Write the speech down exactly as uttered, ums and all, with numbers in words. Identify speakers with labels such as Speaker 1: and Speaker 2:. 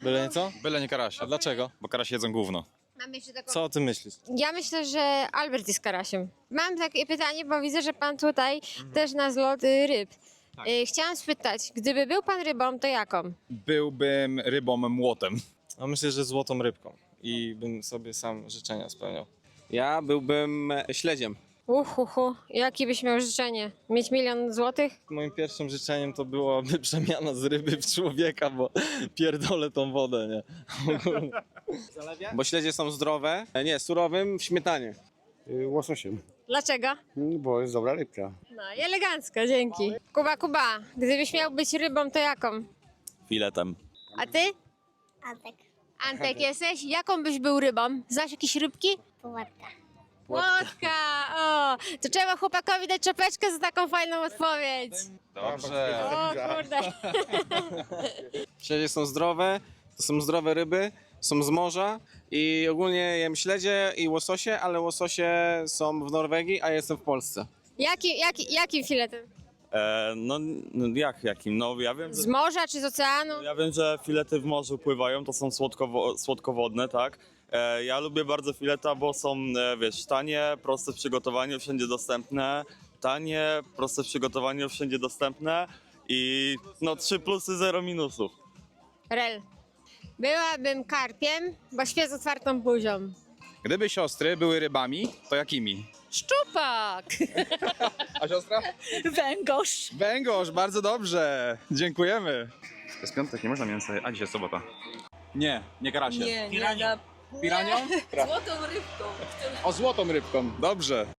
Speaker 1: Byle nie co?
Speaker 2: Byle nie karasia.
Speaker 1: A dlaczego?
Speaker 2: Bo karasie jedzą gówno.
Speaker 3: Mam jeszcze taką...
Speaker 1: Co o tym myślisz?
Speaker 3: Ja myślę, że Albert jest karasiem. Mam takie pytanie, bo widzę, że pan tutaj też na zlot y, ryb. Y, chciałam spytać, gdyby był pan rybą, to jaką?
Speaker 2: Byłbym rybą młotem.
Speaker 1: A myślę, że złotą rybką i bym sobie sam życzenia spełniał.
Speaker 4: Ja byłbym śledziem.
Speaker 3: Uhuhu, jakie byś miał życzenie? Mieć milion złotych?
Speaker 1: Moim pierwszym życzeniem to byłoby przemiana z ryby w człowieka, bo pierdolę tą wodę, nie?
Speaker 4: Bo śledzie są zdrowe. E, Nie, surowym w śmietanie.
Speaker 5: Y, Łososiem,
Speaker 3: Dlaczego?
Speaker 5: Mm, bo jest dobra rybka.
Speaker 3: No i elegancko, dzięki. Kuba, Kuba, gdybyś miał być rybą, to jaką?
Speaker 6: Filetem.
Speaker 3: A ty?
Speaker 7: Antek,
Speaker 3: Antek jesteś? Jaką byś był rybą? Znasz jakieś rybki?
Speaker 7: pułatka.
Speaker 3: Łotka! O! To trzeba chłopakowi dać czapeczkę za taką fajną odpowiedź.
Speaker 2: Dobrze.
Speaker 3: O kurde.
Speaker 4: Śledzie są zdrowe, to są zdrowe ryby, są z morza i ogólnie jem śledzie i łososie, ale łososie są w Norwegii, a ja jestem w Polsce.
Speaker 3: Jaki, jaki, jakim filetem?
Speaker 6: E, no, no jak jakim? No ja wiem, że,
Speaker 3: Z morza czy z oceanu?
Speaker 6: ja wiem, że filety w morzu pływają, to są słodkowo, słodkowodne, tak? E, ja lubię bardzo fileta, bo są, e, wiesz, tanie, proste w przygotowaniu, wszędzie dostępne. Tanie, proste w przygotowaniu, wszędzie dostępne. I no trzy plusy, zero minusów.
Speaker 3: Rel. Byłabym karpiem, bo śpię z otwartą buzią.
Speaker 2: Gdyby siostry były rybami, to jakimi?
Speaker 8: Szczupak!
Speaker 2: A siostra?
Speaker 8: Węgorz!
Speaker 2: Węgorz, bardzo dobrze. Dziękujemy. To jest piątek, nie można mięsa, a dzisiaj sobota. Nie, nie karasie.
Speaker 8: Nie, nie, na...
Speaker 2: Piranią?
Speaker 8: Złotą rybką.
Speaker 2: O, złotą rybką, dobrze.